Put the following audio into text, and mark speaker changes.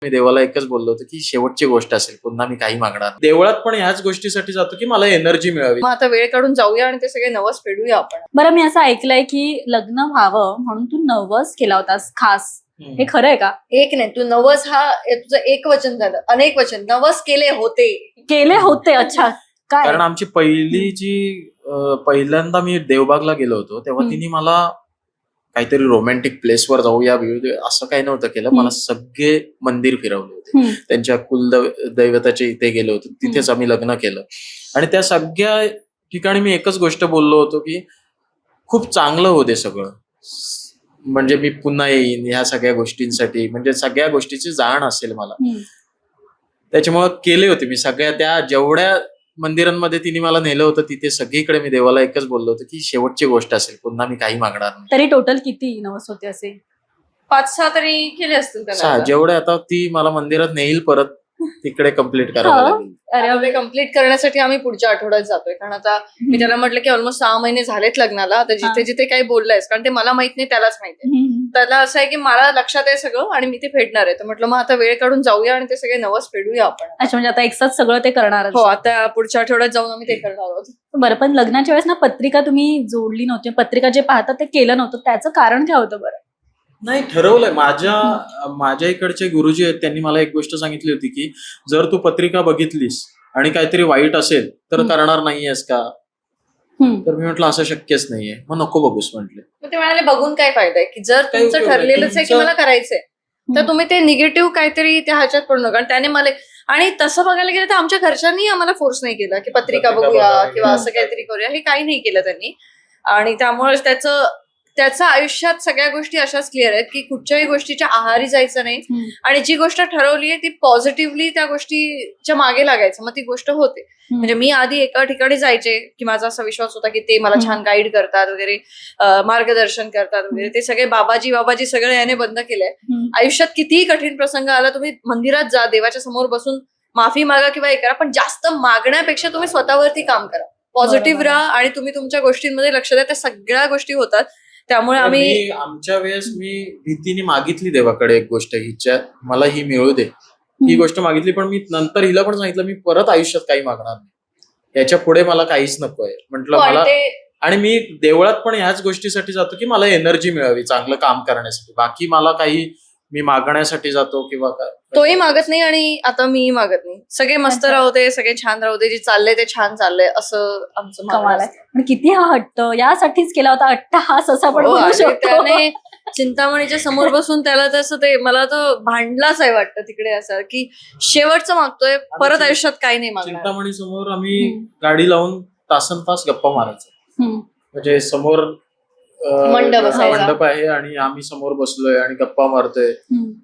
Speaker 1: मी देवाला एकच बोललो होतो की शेवटची गोष्ट असेल, पुन्हा मी काही मागणार नाही. देवळात पण ह्याच गोष्टीसाठी जातो की मला एनर्जी मिळावी.
Speaker 2: मग आता वेळ काढून जाऊया आणि ते सगळे नवस फेडूया आपण.
Speaker 3: बरं, मी असं ऐकलंय की लग्न व्हावं म्हणून तू नवस केला होतास खास. हे खरं आहे का?
Speaker 2: एक नाही, तू नवस हा तुझं एक वचन झालं, अनेक वचन. नवस केले होते.
Speaker 3: केले होते. अच्छा, काय?
Speaker 1: कारण आमची पहिल्यांदा मी देवबागला गेलो होतो तेव्हा तिने मला काहीतरी रोमॅन्टिक प्लेसवर जाऊया असं काही नव्हतं केलं. मला सगळे मंदिर फिरवले होते. त्यांच्या कुलदैवताच्या इथे गेलो होतो, तिथेच आम्ही लग्न केलं. आणि त्या सगळ्या ठिकाणी मी एकच गोष्ट बोललो होतो की खूप चांगलं होते सगळं, म्हणजे मी पुन्हा येईन ह्या सगळ्या गोष्टींसाठी, म्हणजे सगळ्या गोष्टीची जाण असेल मला. त्याच्यामुळे केले होते मी सगळ्या त्या जेवढ्या मंदिरांमध्ये तिने मला नेलं होतं तिथे सगळीकडे मी देवाला एकच बोललो होतो की शेवटची गोष्ट असेल, पुन्हा मी काही मागणार नाही.
Speaker 3: तरी टोटल किती नवस होते असे?
Speaker 2: 5-6 तरी केले असतील त्याला.
Speaker 1: जेवढे आता ती मला मंदिरात नेईल परत तिकडे कम्प्लीट करावं लागेल.
Speaker 2: अरे कम्प्लीट करण्यासाठी आम्ही पुढच्या आठवड्यात जातोय. कारण आता मी त्याला म्हटलं की ऑलमोस्ट 6 महिने झालेत लग्नाला. आता जिथे जिथे काही बोललायस, कारण ते मला माहित नाही त्यालाच माहिती. त्याला असं आहे की मला लक्षात आहे सगळं आणि मी ते फेडणार आहे. तर म्हटलं मग आता वेळ काढून जाऊया आणि ते सगळे नवस फेडूया आपण.
Speaker 3: अच्छा, म्हणजे आता एकसाथ सगळं ते करणार?
Speaker 2: हो, आता पुढच्या आठवड्यात जाऊन आम्ही ते करणार आहोत.
Speaker 3: बरं, पण लग्नाच्या वेळेस ना पत्रिका तुम्ही जोडली नव्हती, पत्रिका जे पाहतात ते केलं नव्हतं, त्याचं कारण काय होतं बरं?
Speaker 1: नाही, ठरवलंय. माझ्या इकडचे गुरुजी आहेत, त्यांनी मला एक गोष्ट सांगितली होती की जर तू पत्रिका बघितलीस आणि काहीतरी वाईट असेल तर करणार नाहीयेस का? तर मी म्हटलं असं शक्यच नाहीये, मग नको बघूस म्हटले.
Speaker 2: मग ते म्हणाले बघून काय फायदा आहे की जर तुमचं ठरलेलंच आहे की मला करायचंय तर तुम्ही ते निगेटिव्ह काहीतरी त्या ह्याच्यात पडू नका. त्याने मला, आणि तसं बघायला गेलं तर आमच्या घरच्यांनी आम्हाला फोर्स नाही केला की पत्रिका बघूया किंवा असं काहीतरी करूया, हे काही नाही केलं त्यांनी. आणि त्यामुळे त्याचं आयुष्यात सगळ्या गोष्टी अशाच क्लिअर आहेत की कुठच्याही गोष्टीच्या आहारी जायचं नाही आणि जी गोष्ट ठरवली आहे ती पॉझिटिव्हली त्या गोष्टीच्या मागे लागायचं, मग ती गोष्ट होते. म्हणजे मी आधी एका ठिकाणी जायचे की माझा असा विश्वास होता की ते मला छान गाईड करतात वगैरे, मार्गदर्शन करतात वगैरे. ते सगळे बाबाजी सगळं याने बंद केलंय. आयुष्यात कितीही कठीण प्रसंग आला, तुम्ही मंदिरात जा, देवाच्या समोर बसून माफी मागा किंवा हे करा, पण जास्त मागण्यापेक्षा तुम्ही स्वतःवरती काम करा, पॉझिटिव्ह राहा आणि तुम्ही तुमच्या गोष्टींमध्ये लक्ष द्या. त्या सगळ्या गोष्टी होतात. त्यामुळे
Speaker 1: आमच्या वेळेस मी भीतीने मागितली देवाकडे एक गोष्ट, हिच्या मला ही मिळू दे, ही गोष्ट मागितली. पण मी नंतर हिला पण सांगितलं मी परत आयुष्यात काही मागणार नाही, याच्या पुढे मला काहीच नकोय म्हटलं मला. आणि मी देवळात पण ह्याच गोष्टीसाठी जातो की मला एनर्जी मिळावी चांगलं काम करण्यासाठी. बाकी मला काही मी मागण्यासाठी जातो किंवा काय,
Speaker 2: तोही मागत नाही आणि आता मीही मागत नाही. सगळे मस्त राहू दे, सगळे छान राहू दे, जे चाललंय ते छान चाललंय, असं आमचं
Speaker 3: कमाल आहे. पण किती हा हट्ट, यासाठीच केला होता अट्टहास असं आपण म्हणू शकतो.
Speaker 2: त्याने चिंतामणीच्या समोर बसून त्याला तसं ते, मला तर भांडलाच आहे वाटतं तिकडे, असं की शेवटचं मागतोय, परत आयुष्यात काही नाही मागणार.
Speaker 1: चिंतामणी समोर आम्ही गाडी लावून तासन तास गप्पा मारायचो. म्हणजे समोर मंडप आहे आणि आम्ही समोर बसलोय आणि गप्पा मारतोय.